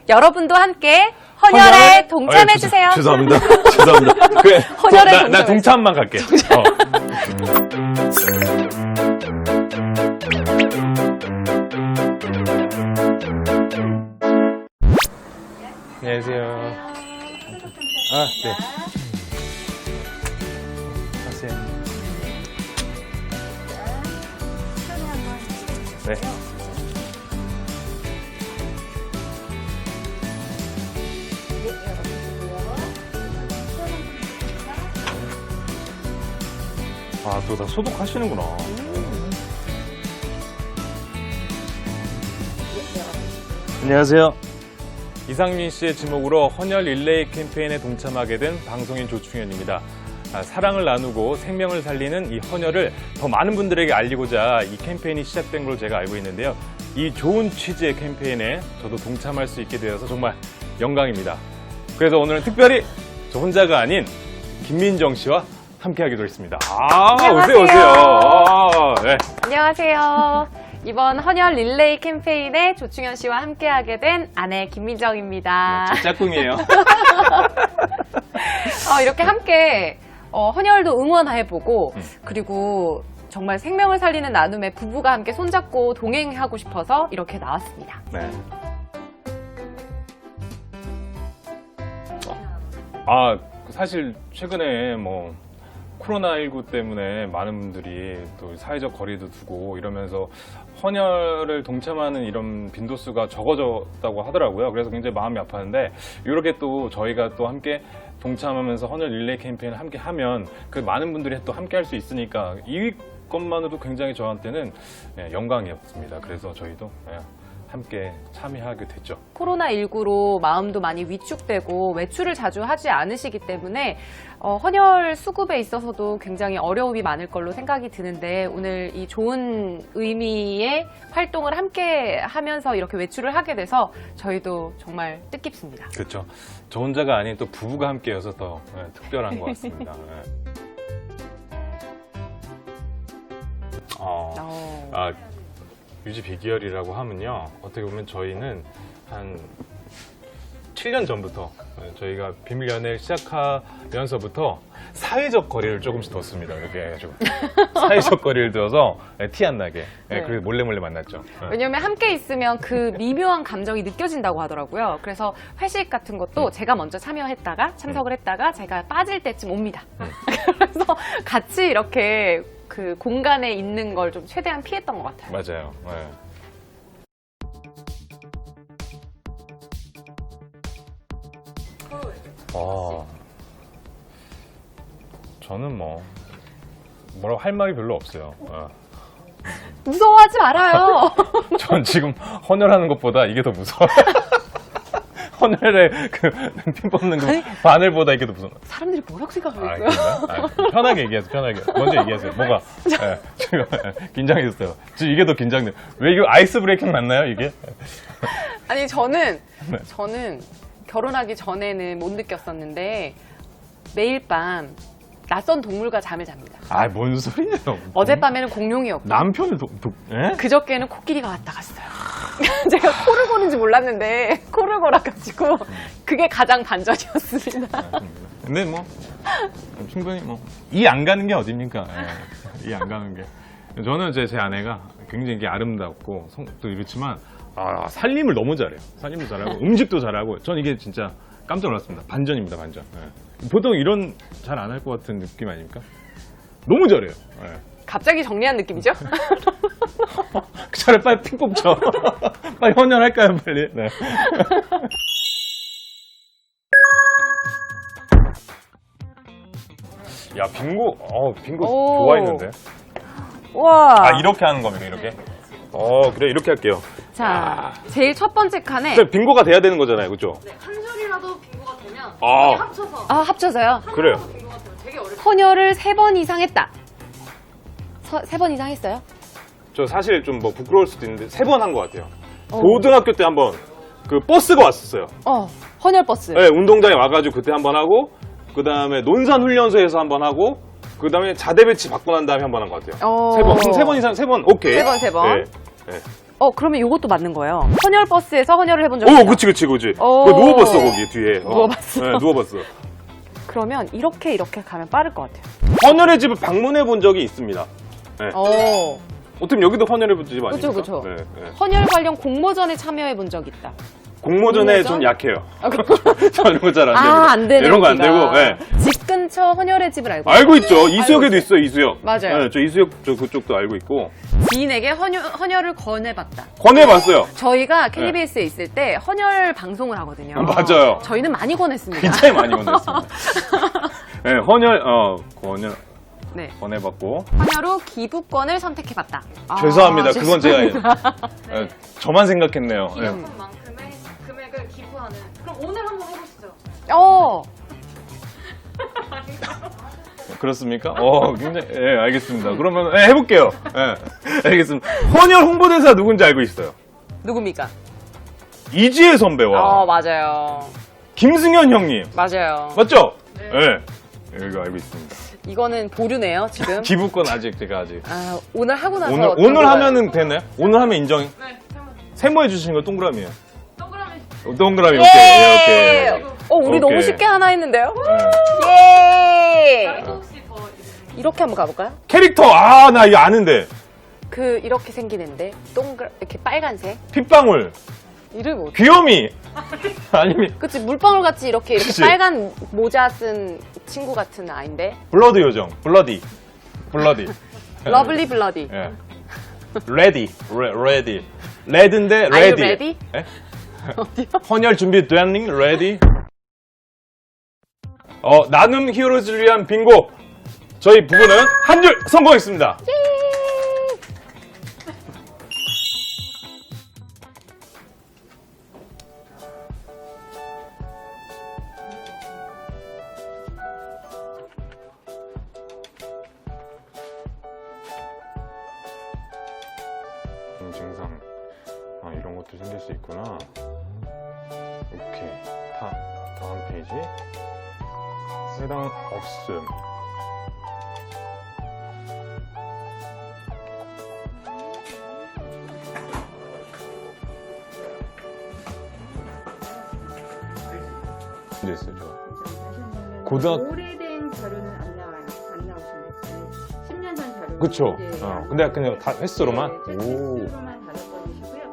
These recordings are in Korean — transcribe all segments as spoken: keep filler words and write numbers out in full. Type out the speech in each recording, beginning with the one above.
여러분도 함께 헌혈에 동참해주세요. 아유, 죄송, 죄송합니다. 죄송합니다. 그래, 헌혈에 나, 나 동참만 갈게. 어. 안녕하세요. 아, 네. 하세요. 네. 아, 또 다 소독하시는구나. 안녕하세요. 이상민 씨의 지목으로 헌혈 릴레이 캠페인에 동참하게 된 방송인 조충현입니다. 아, 사랑을 나누고 생명을 살리는 이 헌혈을 더 많은 분들에게 알리고자 이 캠페인이 시작된 걸로 제가 알고 있는데요. 이 좋은 취지의 캠페인에 저도 동참할 수 있게 되어서 정말 영광입니다. 그래서 오늘은 특별히 저 혼자가 아닌 김민정 씨와 함께 하기로 했습니다. 아, 안녕하세요. 오세요, 오세요. 아, 네. 안녕하세요. 이번 헌혈 릴레이 캠페인에 조충현 씨와 함께하게 된 아내 김민정입니다. 네, 제 짝꿍이에요. 어, 이렇게 함께 어, 헌혈도 응원해보고 음. 그리고 정말 생명을 살리는 나눔에 부부가 함께 손잡고 동행하고 싶어서 이렇게 나왔습니다. 네. 아, 사실 최근에 뭐 코로나십구 때문에 많은 분들이 또 사회적 거리도 두고 이러면서 헌혈을 동참하는 이런 빈도수가 적어졌다고 하더라고요. 그래서 굉장히 마음이 아팠는데 이렇게 또 저희가 또 함께 동참하면서 헌혈 릴레이 캠페인을 함께 하면 그 많은 분들이 또 함께 할 수 있으니까 이것만으로도 굉장히 저한테는 영광이었습니다. 그래서 저희도 함께 참여하게 됐죠. 코로나십구로 마음도 많이 위축되고 외출을 자주 하지 않으시기 때문에 어, 헌혈 수급에 있어서도 굉장히 어려움이 많을 걸로 생각이 드는데 오늘 이 좋은 의미의 활동을 함께 하면서 이렇게 외출을 하게 돼서 저희도 정말 뜻깊습니다. 그렇죠. 저 혼자가 아닌 또 부부가 함께여서 더 네, 특별한 것 같습니다. 네. 어, 어. 아, 유지 비결이라고 하면요. 어떻게 보면 저희는 한 칠 년 전부터 저희가 비밀 연애를 시작하면서부터 사회적 거리를 조금씩 뒀습니다. 이렇게 해가지고 사회적 거리를 둬서 티 안 나게. 네. 그래서 몰래 몰래 만났죠. 왜냐면 함께 있으면 그 미묘한 감정이 느껴진다고 하더라고요. 그래서 회식 같은 것도 음. 제가 먼저 참여했다가 참석을 했다가 제가 빠질 때쯤 옵니다. 음. 그래서 같이 이렇게 그 공간에 있는 걸 좀 최대한 피했던 것 같아요. 맞아요. 네. 아, 저는 뭐 뭐라고 할 말이 별로 없어요. 어. 무서워하지 말아요. 전 지금 헌혈하는 것보다 이게 더 무서워요. 헌혈에 그 피 뽑는 그 아니, 바늘보다 이게 더 무서워. 사람들이 뭐라고 아, 생각하겠어요? 그런가요? 아, 편하게 얘기하세요. 편하게. 먼저 얘기하세요. 뭐가? 예, 지금 긴장했어요. 지금 이게 더 긴장돼. 왜 이거 아이스 브레이킹 맞나요, 이게? 아니 저는 네. 저는 결혼하기 전에는 못 느꼈었는데 매일 밤 낯선 동물과 잠을 잡니다. 아, 뭔 소리예요? 어젯밤에는 공룡이었고 남편을 도, 도, 예? 그저께는 코끼리가 왔다 갔어요. 제가 코를 고는지 몰랐는데 코를 골아가지고 그게 가장 반전이었습니다. 근데 뭐 충분히 뭐 이 안 가는 게 어딥니까? 이 안 가는 게. 저는 제, 제 아내가 굉장히 이게 아름답고 성, 또 이렇지만 아, 살림을 너무 잘해요. 살림도 잘하고 음식도 잘하고 전 이게 진짜 깜짝 놀랐습니다. 반전입니다, 반전. 예. 보통 이런 잘 안 할 것 같은 느낌 아닙니까? 너무 잘해요. 예. 갑자기 정리한 느낌이죠? 차라리 빨리 피 뽑죠. 빨리 헌혈할까요, 빨리? 네. 야, 빙고, 어, 빙고 오. 좋아했는데. 와. 아, 이렇게 하는 겁니까, 이렇게? 어, 그래, 이렇게 할게요. 자, 제일 첫 번째 칸에 근데 빙고가 돼야 되는 거잖아요, 그죠? 네, 한 줄이라도 빙고가 되면 아. 이게 합쳐서 아 합쳐서요. 그래요. 빙고가 되면 되게 어렵죠. 헌혈을 세 번 이상 했다. 세 번 이상 했어요? 저 사실 좀 뭐 부끄러울 수도 있는데, 세 번 한 것 같아요. 어. 고등학교 때 한 번, 그 버스가 왔었어요. 어, 헌혈 버스. 네, 운동장에 와가지고 그때 한 번 하고, 그 다음에 논산훈련소에서 한 번 하고, 그 다음에 자대 배치 받고 난 다음에 한 번 한 것 같아요. 어. 세 번. 세 번 이상, 세 번, 오케이. 세 번, 세 번. 네. 네. 어, 그러면 이것도 맞는 거예요. 헌혈 버스에서 헌혈을 해본 적이 오, 있다. 그치, 그치, 그치. 오. 그거 누워봤어, 거기 뒤에. 어. 누워봤어? 네, 누워봤어. 그러면 이렇게 이렇게 가면 빠를 것 같아요. 헌혈의 집을 방문해 본 적이 있습니다. 네. 어, 어떻게 여기도 헌혈해 본 집 아닙니까? 그쵸, 그쵸. 네, 네. 헌혈 관련 공모전에 참여해 본 적이 있다. 공모전에 공모전? 좀 약해요. 아, 그- 저 이런 거 잘 안 되고. 아, 안 되네. 이런 거 안 되고, 네. 집 근처 헌혈의 집을 알고 알고 있죠. 이수역에도 있어요, 이수역. 맞아요. 네, 저 이수역 저 그쪽도 알고 있고. 지인에게 헌혈, 헌혈을 권해봤다. 권해봤어요. 저희가 케이비에스에 있을 때 헌혈 방송을 하거든요. 어, 맞아요. 저희는 많이 권했습니다. 굉장히 많이 권했습니다. 네, 헌혈, 어, 권혈, 네. 권해봤고. 헌혈 후 기부권을 선택해봤다. 아, 죄송합니다. 그건 제가 죄송합니다. 네, 저만 생각했네요. 네. 기부만큼의 금액을 기부하는. 그럼 오늘 한번 해보시죠. 어, 그렇습니까? 어, 굉장히, 예, 알겠습니다. 그러면, 예, 해볼게요. 예, 알겠습니다. 헌혈 홍보대사 누군지 알고 있어요. 누굽니까? 이지혜 선배와 어, 맞아요. 김승현 형님. 맞아요. 맞죠? 예. 이거 알고 있습니다. 이거는 보류네요, 지금. 기부권 아직, 제가 아직. 아, 오늘 하고 나서. 오늘, 오늘 들어가요. 하면은 되나요? 오늘 하면 인정. 네, 한번 세모해 주시는 거 동그라미예요. 동그라미. 어, 동그라미, 예! 오케이. 예, 오케이. 어, 우리 오케이. 너무 쉽게 하나 했는데요? 예. 예! 다른 혹시 더 이렇게 한번 가볼까요? 캐릭터, 아, 나 이거 아는데. 그, 이렇게 생기는데, 동글, 이렇게 빨간색. 핏방울, 이름이 뭐지? 귀요미. 아니면, 그치, 물방울 같이 이렇게, 이렇게 그치. 빨간 모자 쓴 친구 같은 아인데. 블러드 요정, 블러디. 블러디. 러블리 블러디. 예. 레디, 레, 레디. 레드인데 Are you 레디. ready? 예? 헌혈 준비 됐니? 레디? 어, 나눔 히어로즈를 위한 빙고. 저희 부부는 한 줄 성공했습니다. 증상. 아, 이런 것도 생길 수 있구나. 오케이. 다, 다음 페이지. 해당 없음. 문제 있어요, 저. 고등학- 오래된 자료는 안 나와요. 안 나오시는데 십 년 전 자료. 그쵸. 어, 근데 그냥 다 횟수로만? 네, 오. 횟수로만 다섯 건이시고요.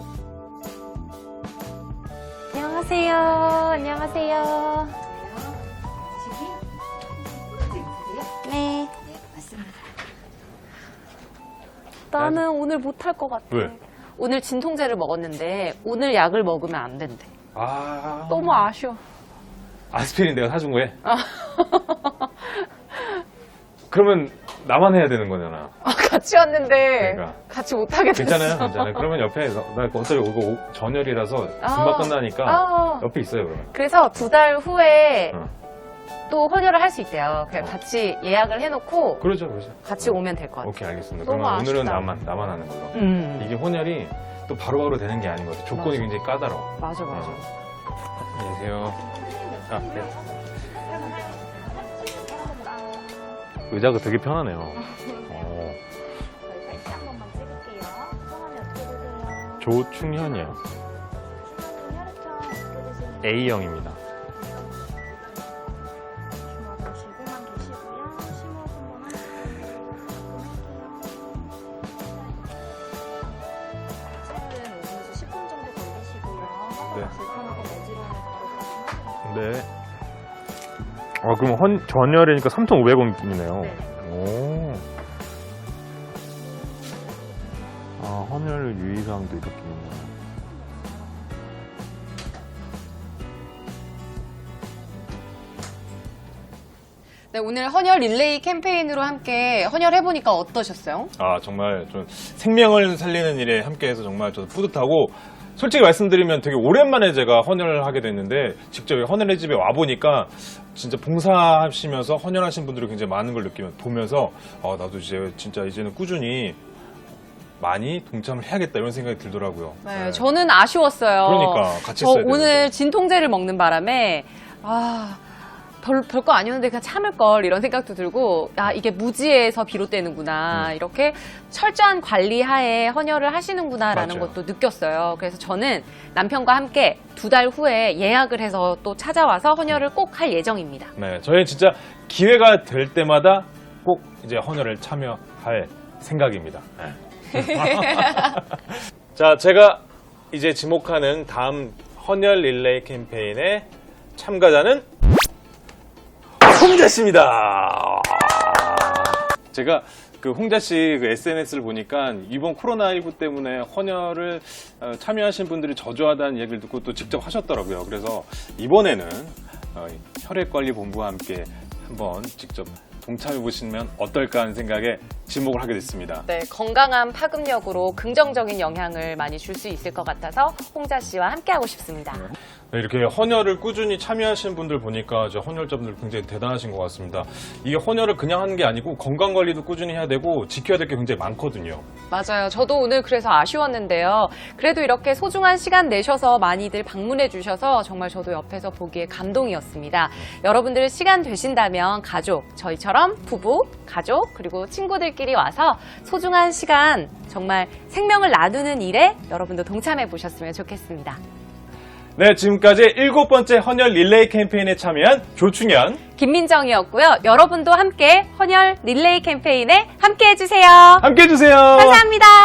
안녕하세요. 안녕하세요. 네. 나는 오늘 못할 것 같아. 왜? 오늘 진통제를 먹었는데 오늘 약을 먹으면 안 된대. 아. 너무 아쉬워. 아스피린 내가 사준 거에? 그러면 나만 해야 되는 거잖아. 아, 같이 왔는데 그러니까. 같이 못하게 됐어. 괜찮아요? 괜찮아요. 그러면 옆에, 나 어차피 이거 오- 전열이라서 금방 아. 끝나니까 아. 옆에 있어요, 그러면. 그래서 두 달 후에 어. 또 헌혈을 할 수 있대요. 그냥 같이 예약을 해놓고 그러죠, 그러죠. 같이 오면 될 것 같아요. 오케이, 알겠습니다. 너무 그러면 오늘은 아쉽다. 나만, 나만 하는 걸로. 음. 이게 혼혈이 또 바로바로 되는 게 아닌 것 같아요. 조건이 맞아. 굉장히 까다로워. 맞아, 맞아. 안녕하세요. 아, 네. 의자가 되게 편하네요. 어. 사진 한 번만 찍을게요. 성함이 어떻게 되세요? 조충현이요. 혈액형 어떻게 되시는지 A형입니다. 주먹 보시고만 계시고요. 심호흡 한번 하실게요. 체열은 오 분에서 십 분 정도 걸리시고요. 네. 불편하고 어지러우면 바로 가시면 네. 아, 그럼 헌, 전열이니까 삼천오백 원이네요. 네. 오. 아, 헌혈 유의사항도 이렇게 있네요. 네, 오늘 헌혈 릴레이 캠페인으로 함께 헌혈해보니까 어떠셨어요? 아, 정말 좀 생명을 살리는 일에 함께해서 정말 저도 뿌듯하고, 솔직히 말씀드리면 되게 오랜만에 제가 헌혈을 하게 됐는데, 직접 헌혈의 집에 와보니까 진짜 봉사하시면서 헌혈하신 분들이 굉장히 많은 걸 느끼면 보면서 아, 나도 이제 진짜 이제는 꾸준히 많이 동참을 해야겠다 이런 생각이 들더라고요. 네, 네. 저는 아쉬웠어요. 그러니까 같이 저 했어야 오늘 되는데. 진통제를 먹는 바람에 아 별, 별거 아니었는데 그냥 참을 걸 이런 생각도 들고 아 이게 무지에서 비롯되는구나 음. 이렇게 철저한 관리 하에 헌혈을 하시는구나라는 맞아요. 것도 느꼈어요. 그래서 저는 남편과 함께 두 달 후에 예약을 해서 또 찾아와서 헌혈을 꼭 할 예정입니다. 네, 저희 진짜 기회가 될 때마다 꼭 이제 헌혈을 참여할 생각입니다. 네. 자, 제가 이제 지목하는 다음 헌혈 릴레이 캠페인의 참가자는 홍자 씨입니다. 제가 그 홍자 씨 그 에스엔에스를 보니까 이번 코로나십구 때문에 헌혈을 어, 참여하신 분들이 저조하다는 얘기를 듣고 또 직접 하셨더라고요. 그래서 이번에는 어, 혈액관리본부와 함께 한번 직접 동참해 보시면 어떨까 하는 생각에 지목을 하게 됐습니다. 네, 건강한 파급력으로 긍정적인 영향을 많이 줄 수 있을 것 같아서 홍자 씨와 함께하고 싶습니다. 네, 이렇게 헌혈을 꾸준히 참여하시는 분들 보니까 저 헌혈자분들 굉장히 대단하신 것 같습니다. 이게 헌혈을 그냥 하는 게 아니고 건강 관리도 꾸준히 해야 되고 지켜야 될 게 굉장히 많거든요. 맞아요. 저도 오늘 그래서 아쉬웠는데요. 그래도 이렇게 소중한 시간 내셔서 많이들 방문해 주셔서 정말 저도 옆에서 보기에 감동이었습니다. 여러분들 시간 되신다면 가족, 저희처럼 부부, 가족, 그리고 친구들끼리 와서 소중한 시간 정말 생명을 나누는 일에 여러분도 동참해 보셨으면 좋겠습니다. 네, 지금까지 일곱 번째 헌혈 릴레이 캠페인에 참여한 조충현, 김민정이었고요. 여러분도 함께 헌혈 릴레이 캠페인에 함께 해주세요. 함께 해주세요. 감사합니다.